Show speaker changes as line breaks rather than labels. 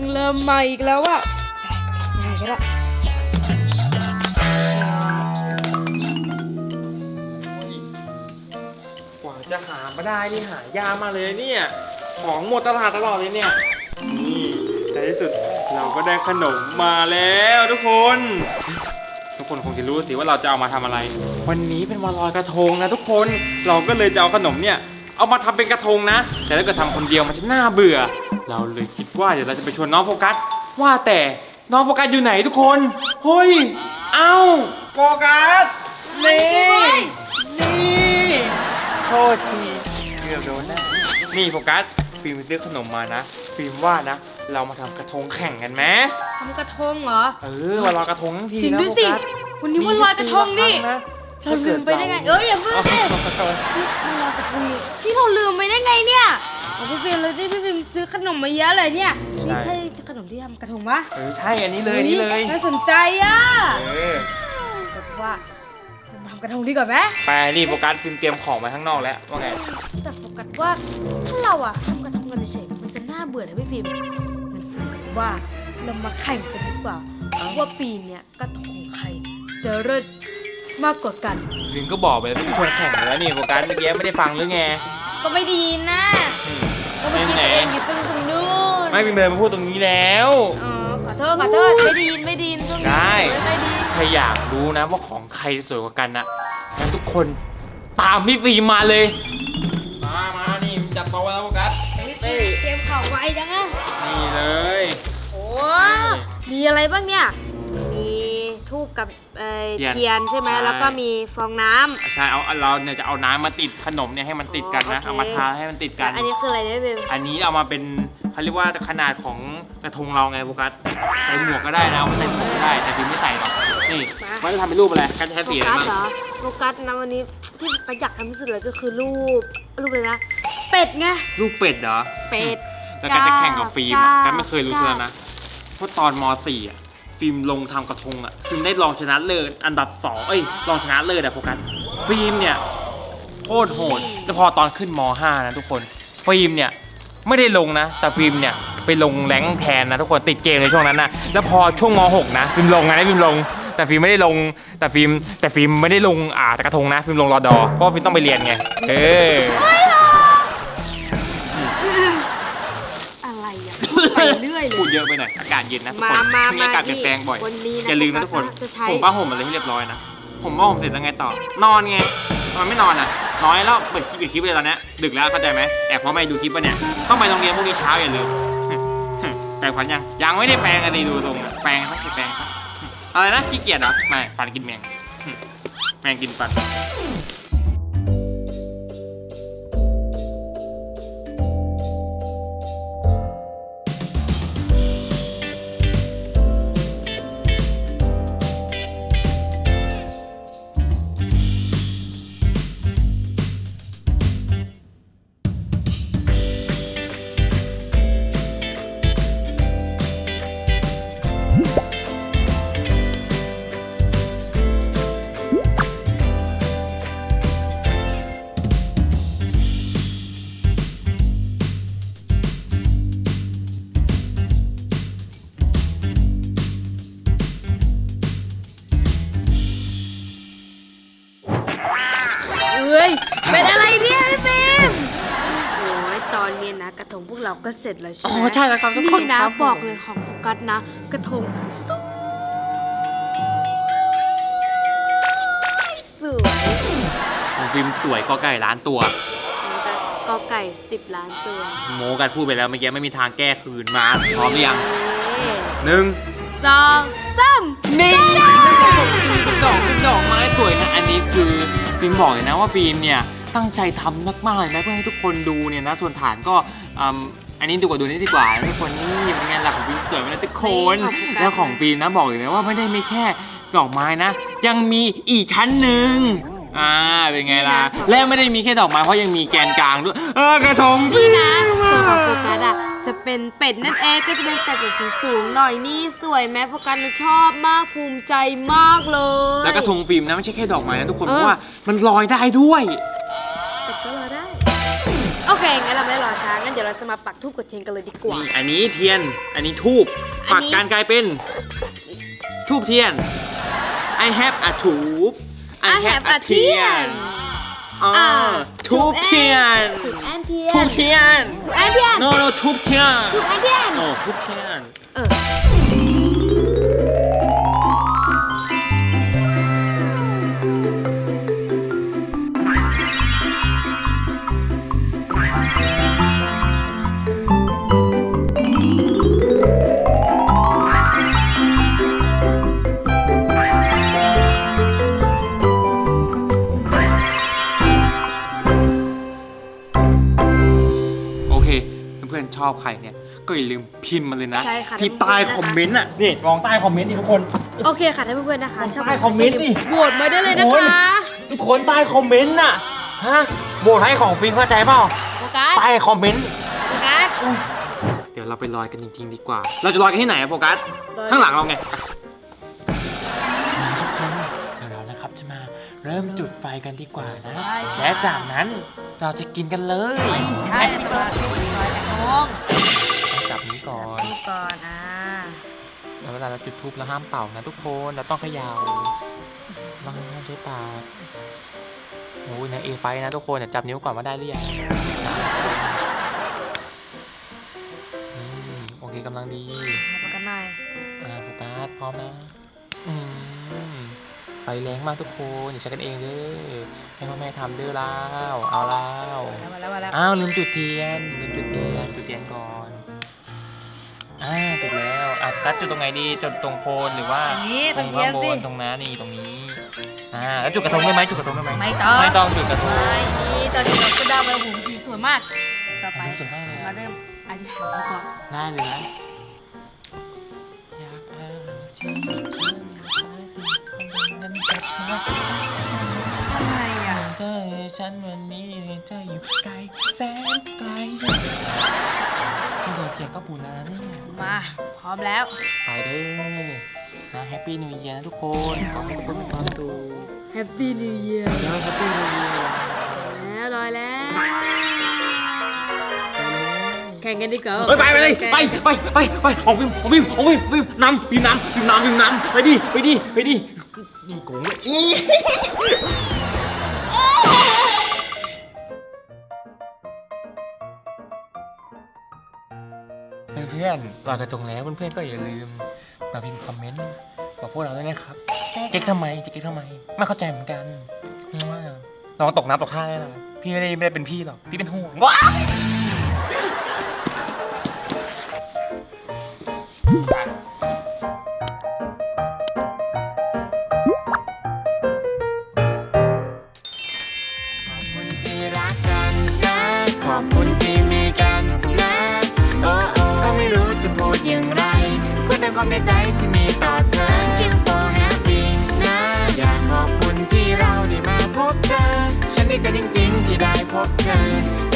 เริ่มใหม่อีกแล้วอะยังไงก็ได้
กว่าจะหามาได้นี่หายากมากเลยเนี่ยของหมดตลาดตลอดเลยเนี่ยนี่ในที่สุดเราก็ได้ขนมมาแล้วทุกคนคงจะรู้สิว่าเราจะเอามาทำอะไร วันนี้เป็นวันลอยกระทงนะทุกคนเราก็เลยจะเอาขนมเนี่ยเอามาทำเป็นกระทงนะแต่ถ้าเกิดทำคนเดียวมันจะน่าเบื่อเราเลยคิดว่าเดี๋ยวเราจะไปชวนน้องโฟกัสว่าแต่น้องโฟกัสอยู่ไหนทุกคนเฮ้ยเอ้าโฟกัสนี่โทษทีเกือบโดนนะนี่โฟกัสฟิล์มซื้อขนมมานะฟิล์มว่านะเรามาทำกระทงแข่งกันไหม
ทำกระทงเหรอ
วันลอยกระทงทั้งที
จริง
นะ
ด้วย
โฟ
สิ
กัส
วันนี้วันลอยกระทงนี่เราลืมไปได้ไงอย่าเพิ่งเลยวันลอยกระทงนี่เราลืมไปได้ไงเนี่ยพี่ฟิล์มเลยพี่ฟิล์มซื้อขนมมาเยอะเลยเนี่ยนี่ใช่ขนมที่ทำกระทงปะ
ใช่อันนี้เลยนี่เลย
น่าสนใจอ่ะแบบว่าทำกระทงดีกว่าไหม
ไปนี่โฟกัสฟิล์มเตรียมของมาข้างนอกแล้วว่าไง
แต่โฟกัสว่าถ้าเราทำกระทงกันเฉยมันจะน่าเบื่อนะพี่ฟิล์มงั้นโฟกัสว่าเรามาแข่งกันดีกว่าว่าปีนี้กระทงใครจะเลิศมากกว่ากัน
ฟิล์มก็บอกไปแล้วไม่ชวนแข่งแล้วนี่โฟกัสเมื่อกี้ไม่ได้ฟังหรือไง
ก็ไม่ดีนะก็ไม่คิดเองอยู่ตรงนู้น
ไม่ฟิล์มเลยมาพูดตรงนี้แล้ว
ขอโทษไม่ดีตรงนี้
ได้ใครอยากรู้นะว่าของใครสวยกว่ากันนะงั้นทุกคนตามพี่ฟิล์มมาเลยมานี่จัดโต๊ะแล้วโฟกัส
เตรียมข่าวไว้จังอะ
นี่เลย
โอ้มีอะไรบ้างเนี่ยมีทูบกับเทียนใช่ไหมแล้วก็มีฟองน้ำ
ใช่เราเนี่ยจะเอาน้ำมาติดขนมเนี่ยให้มันติดกันนะเอามาทาให้มันติดกัน
อันนี้คืออะไรเนี่ยเบล
อันนี้เอามาเป็นเขาเรียกว่าขนาดของกระทงเราไงโฟกัสใส่หมวกก็ได้นะเอาใส่หมวกก็ได้แต่ฟิล์มไม่ใส่หรอกนี่มันจะทำเป็นรูปอะไรกันใช้สีอะไรบ้าง
โฟกัสนะวันนี้ที่ประหยัดทำที่สุดเลยก็คือรูปเลยนะเป็ดไง
รูปเป็ดเหรอ
เป็ด
แล้วกันจะแข่งกับฟิล์มกันไม่เคยรู้เลยนะเพราะตอนม.4ฟิล์มลงทำกระทงฟิล์มได้รองชนะเลิศอันดับ2รองชนะเลิศโฟกัสฟิล์มเนี่ยโคตรโหดแต่พอตอนขึ้นม.5นะทุกคนฟิล์มเนี่ยไม่ได้ลงนะแต่ฟิล์มเนี่ยไปลงแรงแทนนะทุกคนติดเกมในช่วงนั้นนะแล้วพอช่วงม.6นะฟิล์มลงไงฟิล์มลงแต่ฟิล์มไม่ได้ลงแต่ฟิล์มไม่ได้ลงกระทงนะฟิล์มลงรอดอเพราะฟิล์มต้องไปเรียนไง
ไปเรื่อยเลย
พูดเยอะไปหน่อยอากาศเย็นนะทุกคนช่วงนี้อากาศเปลี่ยนแปลงบ่อยอย่าลืมนะทุกคนผมผ้าห่มอะไรให้เรียบร้อยนะผมผ้าห่มเสร็จแล้วไงต่อนอนไงทำไมไม่นอนน้อยแล้วเปิดคลิปเลยตอนนี้ดึกแล้วเข้าใจไหมแอบเพราะไม่ดูคลิปป่ะเนี่ยต้องไปโรงเรียนพรุ่งนี้เช้าอย่าลืมแปรงฟันยังไม่ได้แปรงอะไรดูตรงแปรงครับแปรงครับอะไรนะขี้เกียจเหรอไม่ฟันกินแมงกินฟัน
เป็นอะไรเนี่ยพี่ฟิล์มโอ้ยตอนนี้นะกระทงพวกเราก็เสร็จแล้วใช่ไหม
ใช่แล้วครับทุกคน
นี่นะบอกเลยของโฟกัสนะกระทงสวย
ของฟิล์มสวยก็ไก่ล้านตัว
ก็ไก่10 ล้านตัว
โมกันพูดไปแล้วเมื่อกี้ไม่มีทางแก้คืนมาพร้อมหรือยัง1
2 3
นี่ดอกไม้สวยนะอันนี้คือฟิล์มบอกเลยนะว่าฟิล์มเนี่ยตั้งใจทำมากๆเลยนะเพื่อให้ทุกคนดูเนี่ยนะส่วนฐานก็อันนี้ดูนี่ดีกว่าทุกคนนี่เป็นไงล่ะของฟิล์มสวยไหมนะทุกคนแล้วของฟิล์มนะบอกเลยนะว่าไม่ได้มีแค่ดอกไม้นะยังมีอีกชั้นหนึ่งเป็นไงล่ะและไม่ได้มีแค่ดอกไม้เพราะยังมีแกนกลางด้วยกระทง
นี่นะส่วนของโฟกัสจะเป็นเป็ดนั่นเองก็จะเป็นเป็ดแบบสูงหน่อยนี่สวยแม้โฟกัสชอบมากภูมิใจมากเลย
แล้วกระทงฟิล์มนะไม่ใช่แค่ดอกไม้นะทุกคนเพราะว่ามันลอยได้ด้วย
แต่ก็ลอยได้โอเคงั้นเราไม่รอช้างั้นเดี๋ยวเราจะมาปักธูปกดเทียนกันเลยดีกว่า
นี่อันนี้เทียน อันนี้ทูบ
อัน
ปัก
นี้
การกลายเป็นทูบเทียน I have a ทูบ
I have a เทียน
อ๋อทูบเทียน
ถูกแอนเทียน
ทูบเทียน
ถูกแอนเทียน
no no ทูบเทียน
ถูกแอนเทียน
โอ้ทูบเทียน
เออ
โอเค เพื่อนๆชอบใครเนี่ย ก็อย่าลืมพิมพ์มาเลยนะ
ใช่ค่ะ
ที่ใต้คอมเมนต์อ่ะ นี่มองใต้คอมเมนต์นี่ทุกคน
โอเคค่ะท่านเพื่อนๆนะคะ
ใต้คอมเมนต์ดิ
โหวตมาได้เลยนะ
โอ้ย
คะ
ทุกคนใต้คอมเมนต์น่ะ ฮะโหวตให้ของฟินเข้าใจเปล่า
โฟกัส
ใต้คอมเมนต์
โฟกัส
เดี๋ยวเราไปลอยกันจริงๆดีกว่า เราจะลอยกันที่ไหนอะโฟกัส ข้างหลังเราไงทุกคนเดี๋ยวเรานะครับจะมาเริ่มจุดไฟกันดีกว่านะ และจากนั้นเราจะกินกันเลย
ใช่ตัวลอยกระทง
ต้องจับนี้ก่อน
นี่ก่อน
แล้วเวลาเราจุดธูปเราห้ามเป่านะทุกคนเราต้องเขย่าเราห้ามใช้ปากโอ้ยนะเอไฟนะทุกคนเดี๋ยวจับนิ้วก่อนว่าได้หรือยังโอเคกำลังดี
มาประกันหน่อย
โฟกัสพร้อมนะไฟแรงมากทุกคนอย่าใช้กันเองเด้อให้พ่อแม่ทำเด้อแล้วเอาแล้ว
มาแล้ว
อ้าวลืมจุดเทียนจุดเทียนก่อนจุดแล้วกัดจุดตรงไหนดีจุดตรงโคนหรือว่า
นี่
ต
ต้
ร
อง
ง
เที
ข้าย
น
งบ
สิ
นตรงนั้นนี่ตรงนี้แล้วจุดกระทงได้ไหมจุดกระทงได้ไหม
ไม่ต้อง
ไม่ต้องจุดกระทง
ไม่นี่ตอนนี้เราก็ได้มาหูสีสวยมาก ต่อไป
สวยมากเลย
มาเริ่มอธิษฐานกันก่อน
ได้เลยนะอยากเอาที่นั้นกลับมา
อะไรอ่ะ
เธอฉันวันนี้เธออยู่ไกลแสนไกลไม่โดนเทียนก็ปูนาเนี่ย
มาพร้อมแล้ว
ไปเด้อนะแฮปปี้นิวเยียร์ทุกคนขอให้ทุกคนมีความสุข
Happy New Year
เดี๋ยวแฮปปี้นิวเยียร์
แล้วลอยแล้ว แข่งกันดีกว่า
ไปเลยไปของฟิล์มนำฟิล์มนำไปดินี่โกงนี่เพื่อนๆลอยกระทงแล้วเพื่อนๆก็อย่าลืมมาพิมพ์คอมเมนต์บอกพวกเราด้วยนะครับ
ใช่
เก๊กทำไมไม่เข้าใจเหมือนกันลองตกน้ำตกท่าได้นะพี่ไม่ได้เป็นพี่หรอกพี่เป็นห่วงว้า
ขอบคุณที่มีกันนะ โอ้โอ้ก็ไม่รู้จะพูดอย่างไรพูดแต่ความในใจที่มีต่อเธอ Thank you for having นะ อยากขอบคุณที่เราได้มาพบเธอ ฉันดีใจจริงๆที่ได้พบเธอ